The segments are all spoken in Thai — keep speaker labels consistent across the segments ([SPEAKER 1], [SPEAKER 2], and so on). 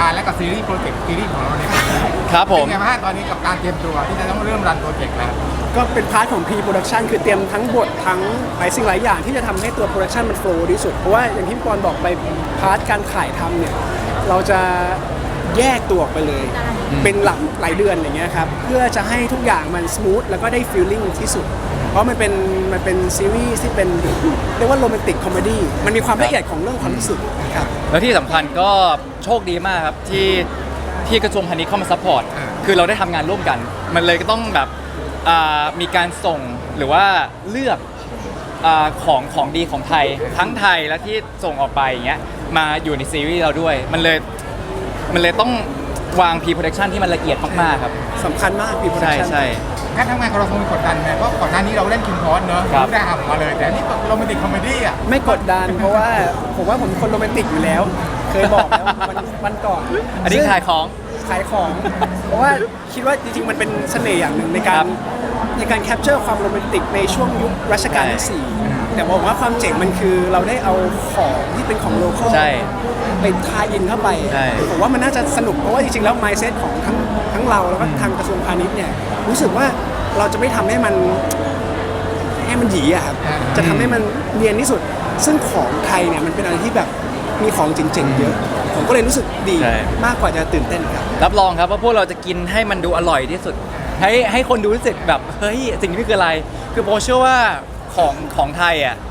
[SPEAKER 1] การและกับซีรีส์โปรเจกต์ซีรีส์ของเราเนี่ย
[SPEAKER 2] ครับผม
[SPEAKER 1] เป็นไงบ้างตอนนี้กับการเตรียมตัวที่จะต้องเริ่มรันโปรเจกต์แล้ว
[SPEAKER 3] ก็เป็นพาร์ทของ pre-production คือเตรียมทั้งบททั้งหลายสิ่งหลายอย่างที่จะทำให้ตัว production มัน flow ที่สุดเพราะว่าอย่างที่พี่ปอนบอกไปพาร์ทการถ่ายทำเนี่ยเราจะแยกตัวออกไปเลย เป็นหลายเดือนอย่างเงี้ยครับเพื่อจะให้ทุกอย่างมัน smooth แล้วก็ได้ feeling ที่สุด เพราะมันเป็นซีรีส์ที่เป็นเรียกว่าโรแมนติกคอมเมดี้มันมีความละเอียดของเรื่องความรู้สึกครับ
[SPEAKER 2] แล้วที่สำคัญก็โชคดีมากครับที่กระทรวงพาณิชย์เข้ามาซัพพอร์ต
[SPEAKER 1] อ่า
[SPEAKER 2] คือเราได้ทำงานร่วมกัน มันเลยก็ต้องแบบมีการส่งหรือว่าเลือกของดีของไทยทั้งไทยและที่ส่งออกไปอย่างเงี้ยมาอยู่ในซีรีส์เราด้วย มันเลยต้องวาง pre-production ที่มันละเอียดมากๆครับ
[SPEAKER 3] สำคัญมาก pre-production
[SPEAKER 2] ใช่
[SPEAKER 1] การทำงานของเราคงมีกดดันไหมเพราะก่อนหน้านี้เราเล่นคิมพอสเนอะ
[SPEAKER 2] ครับ
[SPEAKER 1] ได้หักมาเลยแต่อันนี่โรแมนติกคอมเมดี้อ่ะ
[SPEAKER 3] ไม่กดดันเพราะว่าผมว่าผมเป็นคนโรแมนติกอยู่แล้ว เคยบอกแล้ววันก่อน
[SPEAKER 2] อันนี้ขายของ
[SPEAKER 3] ขายของ เพราะว่าคิดว่าจริงๆมันเป็นเสน่ห์อย่างหนึ่งในกา
[SPEAKER 2] ครั
[SPEAKER 3] ร
[SPEAKER 2] บ
[SPEAKER 3] แคปเจอร์ความโรแมนติกในช่วงยุครัชกาลที่ 4 แต่บอกว่าความเจ๋งมันคือเราได้เอาของที่เป็นของโลคอล
[SPEAKER 2] ใช่
[SPEAKER 3] ไปทายอินเข้าไป
[SPEAKER 2] ใช่
[SPEAKER 3] ผมว่ามันน่าจะสนุกเพราะว่าจริงๆแล้ว mindset ของทั้งเราแล้วก็ทางกระทรวงพาณิชย์เนี่ยรู้สึกว่าเราจะไม่ทำให้มันหยีอะครับจะทำให้มันเนียนที่สุด ซึ่งของไทยเนี่ยมันเป็นอะไรที่แบบมีของเจ๋งๆเยอะ ผมก็เลยรู้สึกดี
[SPEAKER 2] ใช่
[SPEAKER 3] มากกว่าจะตื่นเต้นครับ
[SPEAKER 2] รับรองครับว่าพวกเราจะกินให้มันดูอร่อยที่สุด ให้คนดูรู้สึกแบบเฮ้ยสิ่งนี้คืออะไร คือโบเชื่อว่าของไทยอ่ะ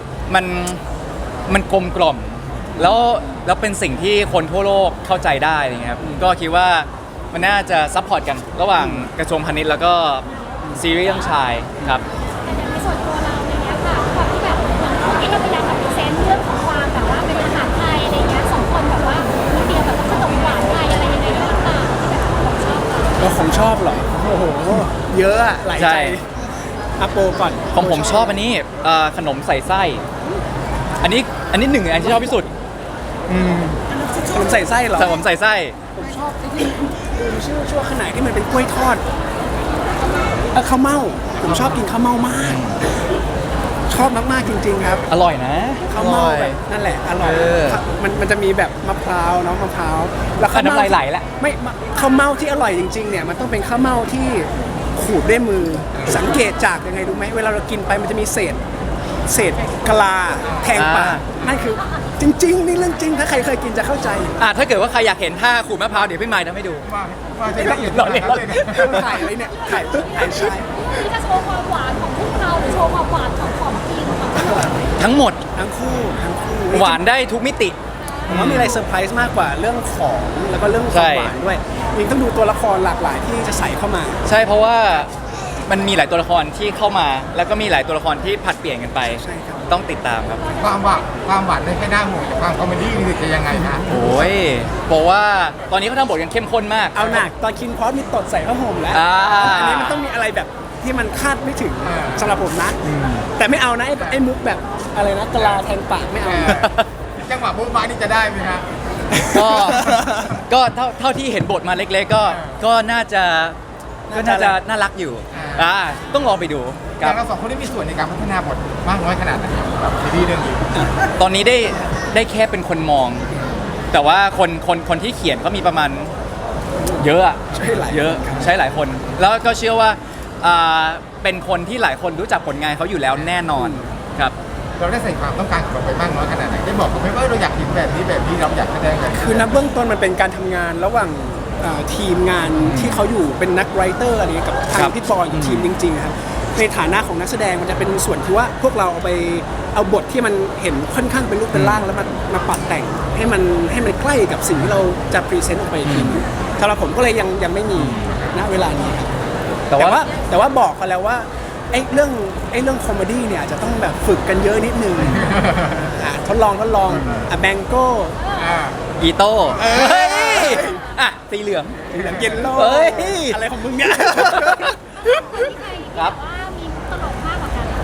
[SPEAKER 2] มันกลมกล่อมแล้วเป็นสิ่งที่คนทั่วโลกเข้าใจได้อะไรเงี้ยครับก็คิดว่ามันน่าจะซัพพอร์ตกันระหว่างกระทรวงพาณิชย์แล้วก็ซีรีส์เรื่องชายครับ
[SPEAKER 4] ในส่วนตัวเราอย่างเงี้ยค่ะความที่แบบเราพยายามแบบพรีเซนต์เรื่องของความแบบว่าเป็นอาหารไทยอะไรเงี้ยสองคนแบบว่ามีเตรียมแบบขนมหวานไทยอะไรยังไงบ้างต่างๆที่แบบของชอบ
[SPEAKER 3] แล้วของชอบเหรอ โอ้โห เยอะอะหลาย
[SPEAKER 2] ใช่
[SPEAKER 3] ใจอาโปก่อน
[SPEAKER 2] ของผมชอบอันนี้ขนมใส่ไส้อันนี้หนึ่งอันที่ชอบที่สุด
[SPEAKER 3] ผมใส่ไส้เหรอ
[SPEAKER 2] แต่ผมใส่ไส้
[SPEAKER 3] ผมชอบไอ้ที่ลืมชื่อชั่วขนาดที่มันเป็นกล้วยทอดข้าวเม่าผมชอบกินข้าวเม่ามาก ชอบมากๆจริงๆครับ
[SPEAKER 2] อร่อยนะ
[SPEAKER 3] ข้าวเม่าแบบนั่นแหละอร่อย
[SPEAKER 2] เออ
[SPEAKER 3] มันจะมีแบบมะพร้าวเนาะมะพร้าวแล้วข้าว
[SPEAKER 2] น้ำ
[SPEAKER 3] เม่า
[SPEAKER 2] ลายไหลแล้ว
[SPEAKER 3] ไม่ข้าวเม่าที่อร่อยจริงๆเนี่ยมันต้องเป็นข้าวเม่าที่ขูดด้วยมือสังเกตจากยังไงรู้ไหมเวลาเรากินไปมันจะมีเศษกะลาแทงปากนั่นคือจริงๆนี่เรื่องจริงถ้าใครเคยกินจะเข้าใจ
[SPEAKER 2] ถ้าเกิดว่าใครอยากเห็นท่าขูดมะพร้าวเดี๋ยวพี่ไมค์ทำให้ดู
[SPEAKER 1] ว่าจะละเอียด
[SPEAKER 2] หล่อเลย
[SPEAKER 1] ขนาดนั้นเลย
[SPEAKER 3] ถ่ายอะไรเนี่ยถ่ายชาย
[SPEAKER 4] ที่จะโชว์ความหวานของพวกเราหรือโชว์ความหวานของทีมของทั้งหมด
[SPEAKER 2] ทั้งหมด
[SPEAKER 3] ทั้งคู่
[SPEAKER 2] หวานได้ทุกมิติ
[SPEAKER 3] ผมว่ามีอะไรเซอร์ไพรส์มากกว่าเรื่องของแล้วก็เรื่องควา
[SPEAKER 2] ใช่
[SPEAKER 3] มหวานด้วยยังต้องดูตัวละครหลากหลายที่จะใส่เข้ามา
[SPEAKER 2] ใช่เพราะว่ามันมีหลายตัวละครที่เข้ามา แล้วก็มีหลายตัวละครที่ผัดเปลี่ยนกันไป
[SPEAKER 3] ใช่ครับ
[SPEAKER 2] ต้องติดตามครับ
[SPEAKER 1] ความหวานในแค่หน้าห่วงแต่ความคอมเมดี้นี่จะยังไงคะ
[SPEAKER 2] โอ้ยบอกว่าตอนนี้เขาทำบทกันเข้มข้นมาก
[SPEAKER 3] เอาหนักตอนคินพอสมีตดใส่ผ้าห่มแล้ว อันนี้มันต้องมีอะไรแบบที่มันคาดไม่ถึงสำหรับผมนะ แต่ไม่เอานะไอ้มุกแบบอะไรนะกะลาแทงปากไม่เอา
[SPEAKER 1] จังหวะโบ๊ะบ้านี่จะได้ไหมคะ
[SPEAKER 2] ก็เท่าที่เห็นบทมาเล็กๆก็น่าจะน่ารักอยู่ต้องลองไปดูค
[SPEAKER 1] แต่
[SPEAKER 2] รับ
[SPEAKER 1] เราสองคนได้มีส่วนในการพัฒนาบทมากน้อยขนาดไหนกับซีรีส์เรื่องนี้
[SPEAKER 2] ตอนนี้ได้แค่เป็นคนมอง แต่ว่าคนที่เขียนก็มีประมาณเยอะอะ
[SPEAKER 3] ใช่หลาย
[SPEAKER 2] เยอะใช้หลายคน แล้วก็เชื่อว่าเป็นคนที่หลายคนรู้จักผลงานเขาอยู่แล้วแน่นอนครับ
[SPEAKER 1] เราได้ใส่ความต้องการของเราไปมากน้อยขนาดไหนได้บอกเขาไหมว่าเราอยากเห็นแบบนี้เราอยากแสดงแบบนี้
[SPEAKER 3] คือนับเบื้องต้นมันเป็นการทำงานระหว่างทีมงานที่เขาอยู่เป็นนักไรเตอร์อะไรเงี้ยกับทา
[SPEAKER 2] ครั
[SPEAKER 3] ง
[SPEAKER 2] บ
[SPEAKER 3] พี่ปอยกับทีมจริงๆครับในฐานะของนักแสดงมันจะเป็นส่วนที่ว่าพวกเราเอาบทที่มันเห็นค่อนข้างเป็นรูปเป็นร่างแล้วมาปรับแต่งให้มันใกล้กับสิ่งที่เราจะพรีเซนต์ออกไปอีกทีนึงสำหรับผมก็เลยยังไม่มีณเวลานี้ครับ
[SPEAKER 2] แต่ว่า
[SPEAKER 3] แต่ว่าบอกเขาแล้วว่าไอ้เรื่องคอมเมดี้เนี่ยอาจจะต้องแบบฝึกกันเยอะนิดนึงทดลองแบงโก้
[SPEAKER 1] อ่า
[SPEAKER 2] อีโต้
[SPEAKER 3] เอ้ย
[SPEAKER 2] เฮ้ยสีเหลือง
[SPEAKER 3] เย็นโล
[SPEAKER 2] เฮ้ย
[SPEAKER 3] อะไรของมึงเนี่ย
[SPEAKER 4] ที่ใคร
[SPEAKER 2] ครับ
[SPEAKER 4] ว่ามีมุกตลกมากกว่ากันนะคะ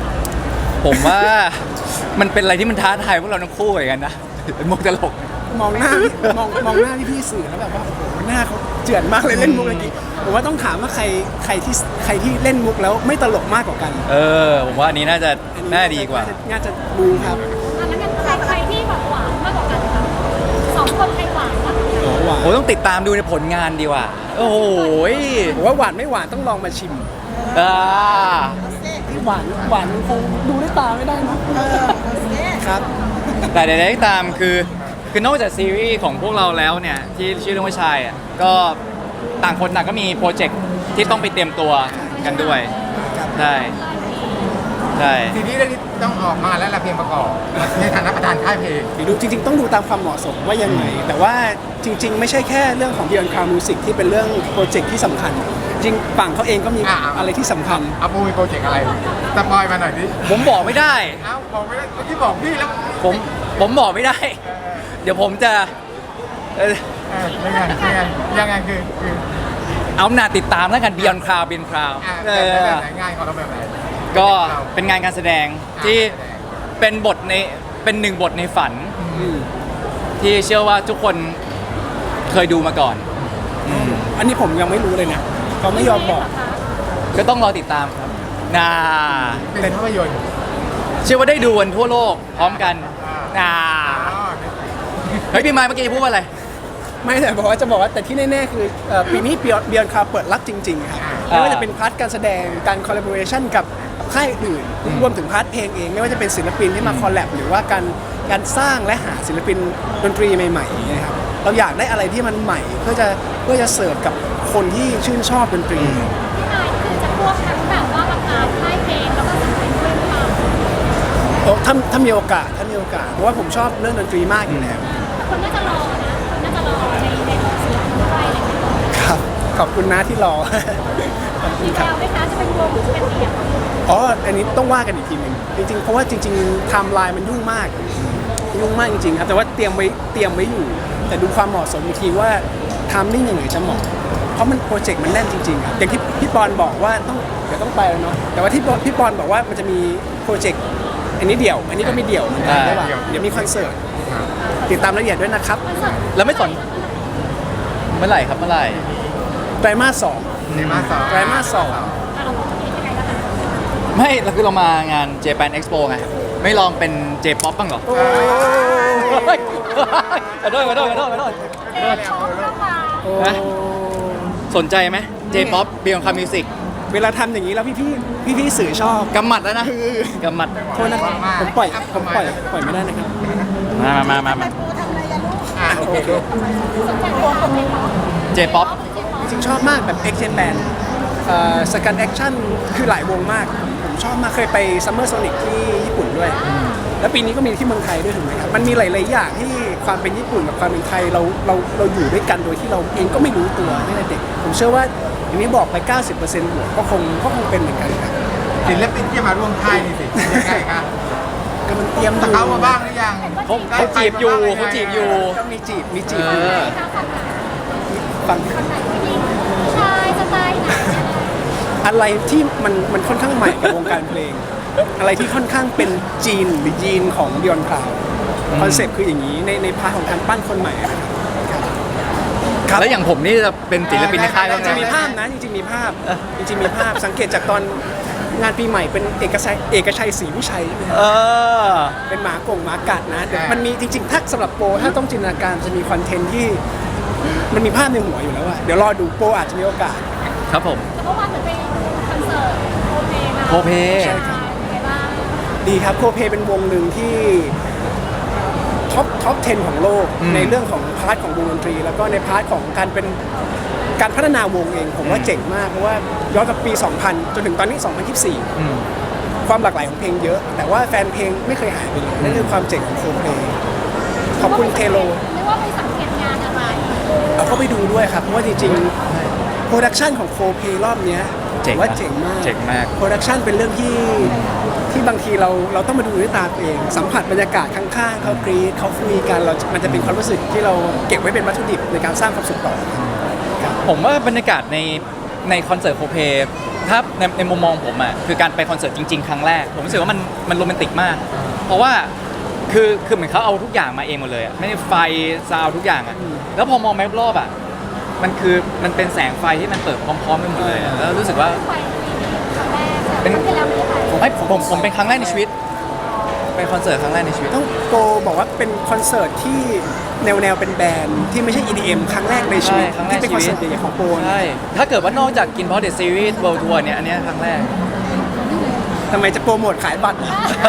[SPEAKER 2] ผมว่ามันเป็นอะไรที่มันท้าทายพวกเราทั้งคู่เหมือนกันนะเป็นมุกตลก
[SPEAKER 3] มองหน้าพี่สื่อแล้วแบบว่าโอ้โหหน้าเขาเจือนมากเลยเล่นมุกเมื่อกี้ผมว่าต้องถามว่าใครที่เล่นมุกแล้วไม่ตลกมากกว่ากัน
[SPEAKER 2] ผมว่าอันนี้น่าจะน่าดีกว่า
[SPEAKER 3] น่าจะดูครับ
[SPEAKER 4] แล้วกันใครที่แบบหวานมากกว่ากันคะสองคนใครหวานมากกว่ากัน
[SPEAKER 3] หวาน
[SPEAKER 2] โอ้ต้องติดตามดูในผลงานดีว่าโอ้โหย
[SPEAKER 3] ผมว่าหวานไม่หวานต้องลองมาชิม
[SPEAKER 2] อ่า
[SPEAKER 3] หวานมันคงดูด้วยตาไม่ได้เนอะครับ
[SPEAKER 2] แต่ใดๆก็ตามคือนอกจากซีรีส์ของพวกเราแล้วเนี่ยที่ชื่อเรื่องว่าชายอ่ะก็ต่างคนต่างก็มีโปรเจกต์ที่ต้องไปเตรียมตัวกันด้วยใช่ใช่
[SPEAKER 1] ซีรีส์เรื่องนี้ต้องออกมาแล้วละเพลงประกอบในฐานะประธานค่ายเพลง
[SPEAKER 3] ดูจริงๆต้องดูตามความเหมาะสมว่ายังไง แต่ว่าจริง ๆ ไม่ใช่แค่เรื่องของ Beyond Cloud Music ที่เป็นเรื่องโปรเจกต์ที่สำคัญ จริงฝั่งเขาเองก็มีอะไรที่สำคัญ
[SPEAKER 1] เอาปูมีโปรเจกต์อะไรสปอยมาหน่อยดิ
[SPEAKER 2] ผมบอกไม่ได้
[SPEAKER 1] เอ้าบอกไม่ได้เมื่อกี้บอกพี่แล้ว
[SPEAKER 2] ผมบอกไม่ได้ เดี๋ยวผมจะ
[SPEAKER 1] ยังไงคือ
[SPEAKER 2] เอาหน้าติดตามแล้วกัน Beyond Cloud Beyond Cloud
[SPEAKER 1] แบบไหนง่ายของเราแบบไหน
[SPEAKER 2] ก็เป็นงานการแสดงที่เป็นบทในเป็นหนึ่งบทในฝัน ที่เชื่อว่าทุกคนเคยดูมาก่อน
[SPEAKER 3] อันนี้ผมยังไม่รู้เลยนะเขาไม่ยอมบอก
[SPEAKER 2] ก็ต้องรอติดตามครับน่า
[SPEAKER 1] เป็นภาพยนตร์
[SPEAKER 2] เชื่อว่าได้ดูกันทั่วโลกพร้อมกันน่าเฮ้ยพี่ไม้เมื่อกี้พูดว่าอะไร
[SPEAKER 3] ไม่แต่บอกว่าจะบอกว่าแต่ที่แน่ๆคือปีนี้ Beyond Cloud เปิดรับจริงๆครับไม่ว่าจะเป็นพาร์ทการแสดงการคอลลาบอเรชันกับค่ายอื่นรวมถึงพาร์ทเพลงเองไม่ว่าจะเป็นศิลปินที่มาคอลแลบหรือว่าการสร้างและหาศิลปินดนตรีใหม่ๆนะครับเราอยากได้อะไรที่มันใหม่เพื่อจะเสิร์ฟกับคนที่ชื่นชอบดนตรี
[SPEAKER 4] พี่นายคือจะควบทั้งแบบว่าประกาศค่ายเพลงแล้วก็ศิลปินด้วยหรือเปล่า
[SPEAKER 3] โอ้ถ้ามีโอกาสเพราะว่าผมชอบเรื่องดนตรีมากอยู่แล้ว
[SPEAKER 4] คนน่าจะรอนะคนน่าจะรอในโรงเสียงด้วยอะไรอย่างเงี้ย
[SPEAKER 3] ครับขอบคุณนะที่รอ ขอบคุ
[SPEAKER 4] มี
[SPEAKER 3] ณ
[SPEAKER 4] แว
[SPEAKER 3] ครับ
[SPEAKER 4] วไหมคะจะเป็นวงหรือจะเป็นเดี่ยว
[SPEAKER 3] อ๋ออันนี้ต้องว่ากันอีกทีหนึงจริงๆเพราะว่าจริงๆไทม์ไลน์มันยุ่งมากจริงๆครับแต่ว่าเตรียมไว้อยู่ แต่ดูความเหมาะสมอีกทีว่าไทม์มิ่งยังไงจะเหมาะเพราะมันโปรเจกต์มันแน่นจริงๆครับอย่างที่พี่ปอนบอกว่าเดี๋ยวต้องไปแล้วเนาะแต่ว่าที่พี่ปอนบอกว่ามันจะมีโปรเจกต์อันนี้เดี่ยว อันนี้ก็มีเดี่ยวเหมือนกันระหว่างเดี๋ยวมีคอนเสิร์ตติดตามรายละเอียดด้วยนะครับ
[SPEAKER 2] แล้วไม่สนเมื่อไหร่ครับเมื่อไหร่
[SPEAKER 3] ไตรมาส
[SPEAKER 1] ในมาสอง
[SPEAKER 3] 2ไตรมาส
[SPEAKER 4] เราบอกจะเป็นยังไงนะคะ
[SPEAKER 2] ไม่เราคือเรามางาน Japan Expo ไงไม่ลองเป็น J-pop บ้างเหรอ
[SPEAKER 3] โอ้
[SPEAKER 2] เฮ้ยขอโทษ
[SPEAKER 4] เจ๊โชว์เข้ามา
[SPEAKER 3] โอ้
[SPEAKER 2] นะ สนใจไหม J-pop Beyond Cloud Music
[SPEAKER 3] เวลาทำอย่างนี้แล้วพี่สื่อชอบ
[SPEAKER 2] กำหมัดแล้วนะกำหมัด
[SPEAKER 3] โทษนะครับผมปล่อยไม่ได้นะครับ
[SPEAKER 2] มา
[SPEAKER 1] โอเค
[SPEAKER 4] สนใจไหมคะ
[SPEAKER 2] J-pop
[SPEAKER 3] จริงๆชอบมากแบบ X Japan สกันแอคชั่นคือหลายวงมาก ผมชอบมากเคยไป Summer Sonic ที่ญี่ปุ่นด้วย แล้วปีนี้ก็มีที่เมืองไทยด้วยถูกไหมครับ มันมีหลายๆอย่างที่ความเป็นญี่ปุ่นกับความเป็นไทยเราอยู่ด้วยกันโดยที่เราเองก็ไม่รู้ตัวตั้งแต่เด็ก ผมเชื่อว่าอย่างนี้บอกไป 90%บวกก็คงเป็นเหมือนกันครับ
[SPEAKER 1] ศิลปินที่มาร่วมค่ายนี่สิยังไงครับ
[SPEAKER 3] ก็มันเตรียม
[SPEAKER 1] สเกามาบ้างหรือยัง
[SPEAKER 2] เขาจีบอยู่เขาจีบอยู่
[SPEAKER 3] ก็มีจีบ
[SPEAKER 2] เออ
[SPEAKER 3] ฟัง
[SPEAKER 4] คนไหนผู้หญิงผู้ชายสไตล์ไหน
[SPEAKER 3] อะไรที่มันค่อนข้างใหม่กับวงการเพลง อะไรที่ค่อนข้างเป็นจีนหรือยีนของ Beyond Cloud คอนเซ็ปต์คืออย่างนี้ในพาร์ทของการปั้นคนใหม่อะครับครับ
[SPEAKER 2] แล้วอย่างผมนี่จะเป็นศิลปินในค่ายบ้าง
[SPEAKER 3] จะ
[SPEAKER 2] ไหม
[SPEAKER 3] มีภาพนะจริงๆมีภาพสังเกตจากตอนงานปีใหม่เป็นเอกชัยศรีวิชัยใช่ไหม
[SPEAKER 2] เออ
[SPEAKER 3] เป็นหมากัดนะเดี๋ยวมันมีจริงๆถ้าสำหรับโปรถ้าต้องจินตนาการจะมีคอนเทนต์ที่มันมีภาพในหัวอยู่แล้วอะเดี๋ยวรอดูโปรอาจจะมีโอกาส
[SPEAKER 2] ครับผม
[SPEAKER 4] แต่เมื่อวานเหมือนไปดูคอนเสิร์ตโอเพมา
[SPEAKER 2] โคเพ
[SPEAKER 3] ใช่ครับ
[SPEAKER 4] เป็นไงบ้าง
[SPEAKER 3] ดีครับโคเพเป็นวงหนึ่งที่ท็อป 10 ของโลก ในเรื่องของพาร์ทของวงดนตรี แล้วก็ในพาร์ทของการพัฒนาวงเอง ผมว่าเจ๋งมาก เพราะว่าย้อนกับปี 2000 จนถึงตอนนี้ 2024 ความหลากหลายของเพลงเยอะ แต่ว่าแฟนเพลงไม่เคยหายไปเลยนั่นคือความเจ๋งของโคเพขอบคุณเทโล
[SPEAKER 4] เรียกว่าไปสังเกตงานอะไร
[SPEAKER 3] เอาเข้าไปดูด้วยครับ เพราะว่าจริงๆโปรดักชันของโคเพรอบเนี้ย
[SPEAKER 2] เจ๋ง
[SPEAKER 3] ผมว่าเจ๋งมาก
[SPEAKER 2] เจ๋งมาก
[SPEAKER 3] โปรดักชันเป็นเรื่องที่บางทีเราต้องมาดูด้วยตาตัวเอง สัมผัสบรรยากาศข้างๆเขากรีดเขาคุยกันมันจะเป็นความรู้สึกที่เราเก็บไว้เป็นวัตถุดิบในการสร้างความสุขต่อครับ
[SPEAKER 2] ผมว่าบรรยากาศในคอนเสิร์ตโคเพถ้าในมุมมองผมอ่ะคือการไปคอนเสิร์ตจริงๆครั้งแรกผมรู้สึกว่ามันโรแมนติกมาก เพราะว่าคือเหมือนเขาเอาทุกอย่างมาเองหมดเลยอ่ะไม่ได้ไฟซาวด์ทุกอย่างอ่ะแล้วพอมองไปรอบๆอ่ะมันเป็นแสงไฟที่มันเปิดพร้อมๆกันหมดเลยอะแล้วรู้สึกว่า
[SPEAKER 4] ไปครั้งแรก
[SPEAKER 2] เป็น
[SPEAKER 4] ที่แล้วไม่ได้ไป
[SPEAKER 2] ผมเป็นครั้งแรกในชีวิตเป็นคอนเสิร์ตครั้งแรกในชีวิต
[SPEAKER 3] ต้องโกบอกว่าเป็นคอนเสิร์ตที่แนวเป็นแบรนด์ที่ไม่ใช่ EDM ครั้งแรกในชีวิต
[SPEAKER 2] ใช่ครั้งแรก
[SPEAKER 3] ที่เป็นคอนเสิร์ตใหญ่ๆของโปน
[SPEAKER 2] ใช่ถ้าเกิดว่านอกจากกินเพราะเดอะซีรีส์ World Tour เนี่ยอันเนี้ยครั้งแรก
[SPEAKER 3] ทำไมจะโปรโมทขายบัตร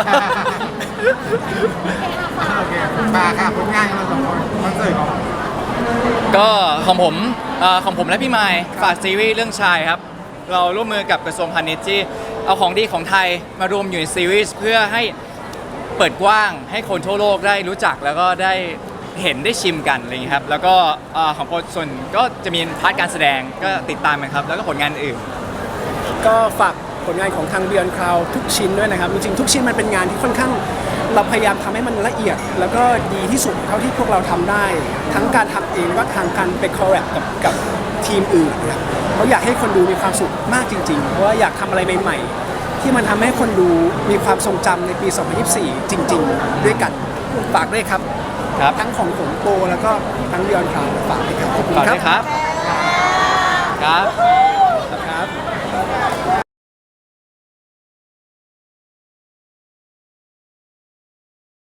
[SPEAKER 1] โอเคมาค่ะผลงานของเราสองคนคอนเสิร์ตของ
[SPEAKER 2] ก็ของผมและพี่ไมค์ฝากซีรีส์เรื่องชายครับ เราร่วมมือกับกระทรวงพาณิชย์ที่เอาของดีของไทยมารวมอยู่ในซีรีส์เพื่อให้เปิดกว้างให้คนทั่วโลกได้รู้จักแล้วก็ได้เห็นได้ชิมกันอะไรอย่างนี้ยครับแล้วก็ของโปรส่วนก็จะมีพาร์ทการแสดงก็ติดตามกันครับแล้วก็ผลงานอื่น
[SPEAKER 3] ก็ฝากผลงานของทาง Beyond Cloud ทุกชิ้นด้วยนะครับ จริงๆทุกชิ้นมันเป็นงานที่ค่อนข้างเราพยายามทำให้มันละเอียด แล้วก็ดีที่สุดเท่าที่พวกเราทำได้ ทั้งการทำเองแล้วก็ทางการไปคอลแลบกับทีมอื่นนะครับเราอยากให้คนดูมีความสุขมากจริงๆ เพราะว่าอยากทำอะไรใหม่ๆ ที่มันทำให้คนดูมีความทรงจำในปี 2024 จริงๆ ด้วยกันฝากด้วยครับ
[SPEAKER 2] ครับ
[SPEAKER 3] ทั้งของผมโปแล้วก็ทั้ง Beyond Cloud ฝากด้วยครับขอบคุณ
[SPEAKER 2] ฝาก
[SPEAKER 3] ครั
[SPEAKER 2] ด้
[SPEAKER 3] บ
[SPEAKER 2] วยครับ ครับ